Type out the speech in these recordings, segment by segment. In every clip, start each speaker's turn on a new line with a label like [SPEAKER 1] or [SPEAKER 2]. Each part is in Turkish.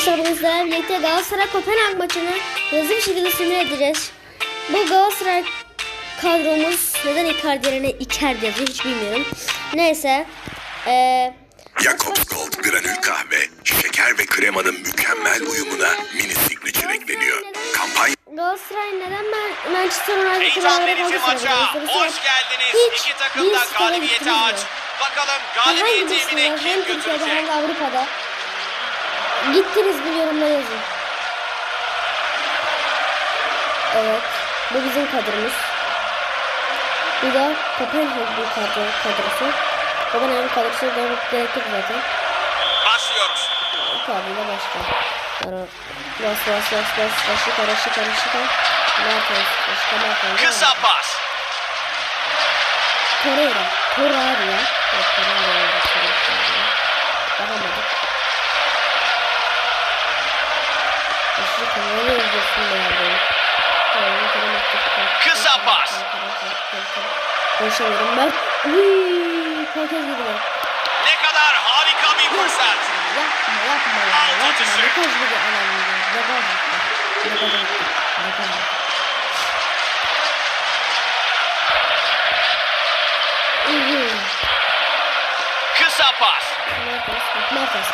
[SPEAKER 1] Arkadaşlar bugün sizlerle birlikte Galatasaray Kopenhag maçını hızlı bir şekilde simüle edeceğiz. Bu Galatasaray kadromuz neden Icardi yerine Icardi yazıyor hiç bilmiyorum. Neyse.
[SPEAKER 2] Jacobs Gold granül kahve, şeker ve kremanın mükemmel uyumuna mini signature ekleniyor. Kampanya
[SPEAKER 1] Galatasaray neden Manchester United
[SPEAKER 3] Heyecan verici maça hoş geldiniz. İki takım da galibiyete aç. Bakalım galibiyet evine kim götürecek?
[SPEAKER 1] Hem de Avrupa'da. Gittiniz bir yorumda yazın. Evet. Bu bizim kadromuz. Bu da Kopenhag bir kadrosu. Kopenhag kadrosu demek gerek yok zaten.
[SPEAKER 3] Başlıyoruz.
[SPEAKER 1] Kadroyla başla. Bas. Şıkar. Mertens.
[SPEAKER 3] Kısa pas.
[SPEAKER 1] Torreira ya. Bakamadık.
[SPEAKER 3] Kısa pas.
[SPEAKER 1] Koşuyorum ben. Korkez gibi.
[SPEAKER 3] Ne kadar harika bir fırsat.
[SPEAKER 1] Yapma.
[SPEAKER 3] Altı dışı.
[SPEAKER 1] Ne kadar gibi
[SPEAKER 3] Kısa pas.
[SPEAKER 1] Mertens.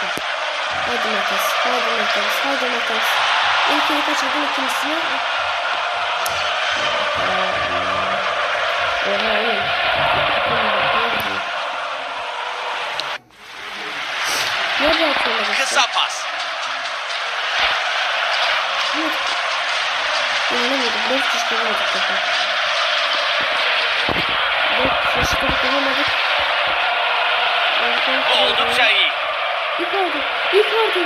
[SPEAKER 1] Hadi Mertens. İlkini kaçırdım, ikincisini. Nerede atıyorlar?
[SPEAKER 3] Kısa pas.
[SPEAKER 1] İnanamadım. 4 çıkaramadık. 4 çıkaramadık.
[SPEAKER 3] Oldukça iyi.
[SPEAKER 1] Icardi.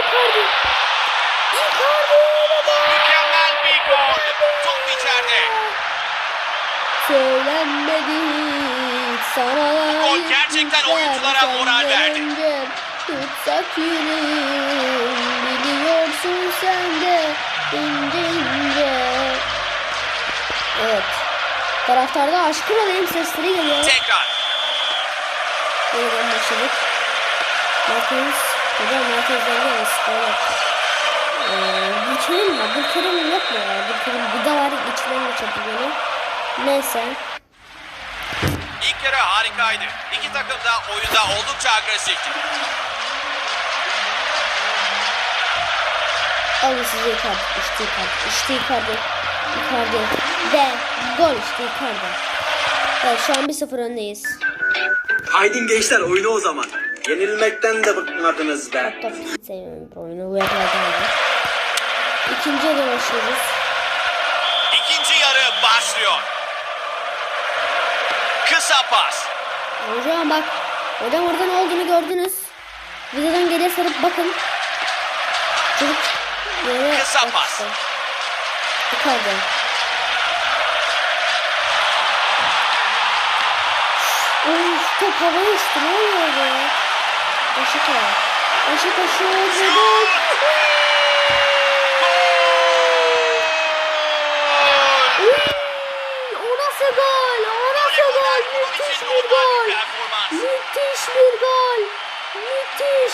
[SPEAKER 3] Mükemmel bir gol. Top içeride.
[SPEAKER 1] Söylenmedi sana.
[SPEAKER 3] Bu gol gerçekten oyunculara moral verdi.
[SPEAKER 1] Tutsak yüreğim, biliyorsun sen de ince. Evet. Taraftarda aşkın olayım sesleri geliyor.
[SPEAKER 3] Tekrar.
[SPEAKER 1] Buradan başladık. Mertens. Hocam Mertens'den gelmiş. Geçelim mi? Abdülkerim yok mu ya? Abdülkerim bir de var. İçinden geçirdi beni. Neyse.
[SPEAKER 3] İlk yarı harikaydı. İki takım da oyunda oldukça agresifti.
[SPEAKER 1] Alın size Icardi. İşte Icardi. Ve gol işte Icardi. Evet şu an 1-0 öndeyiz.
[SPEAKER 4] Haydi gençler oyna o zaman. Yenilmekten de bıkmadınız be.
[SPEAKER 1] Top sevmiyorum bu oyunu. Bu yapılardan. İkinci yarı başlıyoruz.
[SPEAKER 3] İkinci yarı başlıyor. Kısa pas.
[SPEAKER 1] Hocam bak. Hocam orada ne olduğunu gördünüz. Videodan geriye sarıp bakın. Çocuk yere
[SPEAKER 3] Kısa
[SPEAKER 1] attı.
[SPEAKER 3] pas.
[SPEAKER 1] Icardi. Top havaya uçtu. Ne oluyor be? Beşiktaş
[SPEAKER 3] Şut!
[SPEAKER 1] O nasıl gol? Müthiş bir gol. Müthiş.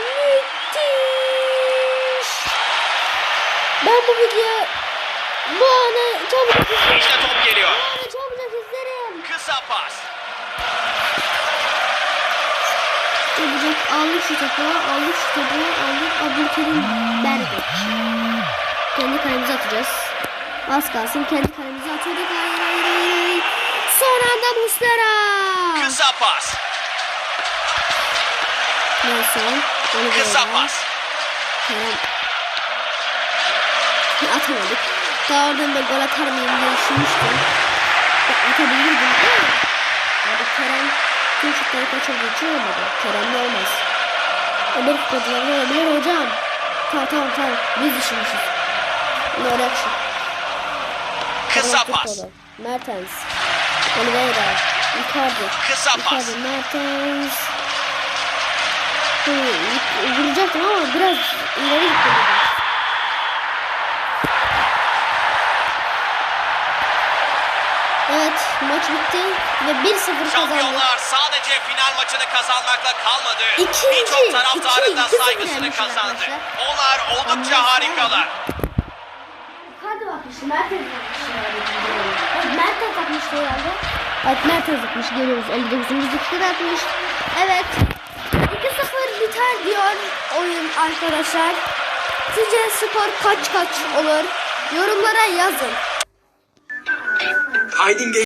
[SPEAKER 1] Ben bu videoyu bu anı çabucak izlerim.
[SPEAKER 3] İşte top geliyor. Kısa pas.
[SPEAKER 1] Aldık şu topu. Abdülkerim Berge. Kendi kalemize atacağız. Az kalsın kendi kalemize atıyorduk. Hayır. Son anda Muslera.
[SPEAKER 3] Kısa pas.
[SPEAKER 1] Neyse.
[SPEAKER 3] Kısa pas.
[SPEAKER 1] Kerem. Atamadık. Daha oradan da gol atar mıyım diye düşünmüştüm. Atabilirdim. Hadi Kerem tüm şutları kaçırdığı için olmadı. Kerem'de olmaz. Öbür futbolcularda olabilir hocam. Tamam. Biz düşünmüşüz. No reaction.
[SPEAKER 3] Kısa pas.
[SPEAKER 1] Mertens. Oliveira. Icardi.
[SPEAKER 3] Kısa pas.
[SPEAKER 1] Mertens. Vuracaktım ama biraz ileri gittim. Evet. Maç bitti ve 1-0 kazandık.
[SPEAKER 3] Şampiyonlar sadece final maçını kazanmakla kalmadı.
[SPEAKER 1] İkinci,
[SPEAKER 3] Birçok taraftarın da
[SPEAKER 1] 2-0
[SPEAKER 3] saygısını
[SPEAKER 1] yenmişler
[SPEAKER 3] kazandı.
[SPEAKER 1] arkadaşlar.
[SPEAKER 3] Onlar oldukça harikalar.
[SPEAKER 1] Hadi bakmıştı. Mert atmıştı herhalde. Mert atmıştı herhalde. Evet Mert atmış. Görüyoruz. 59. dakikada atmış. Evet. 2-0 biter diyor oyun arkadaşlar. Sizce skor kaç olur? Yorumlara yazın.
[SPEAKER 4] Haydin gençler.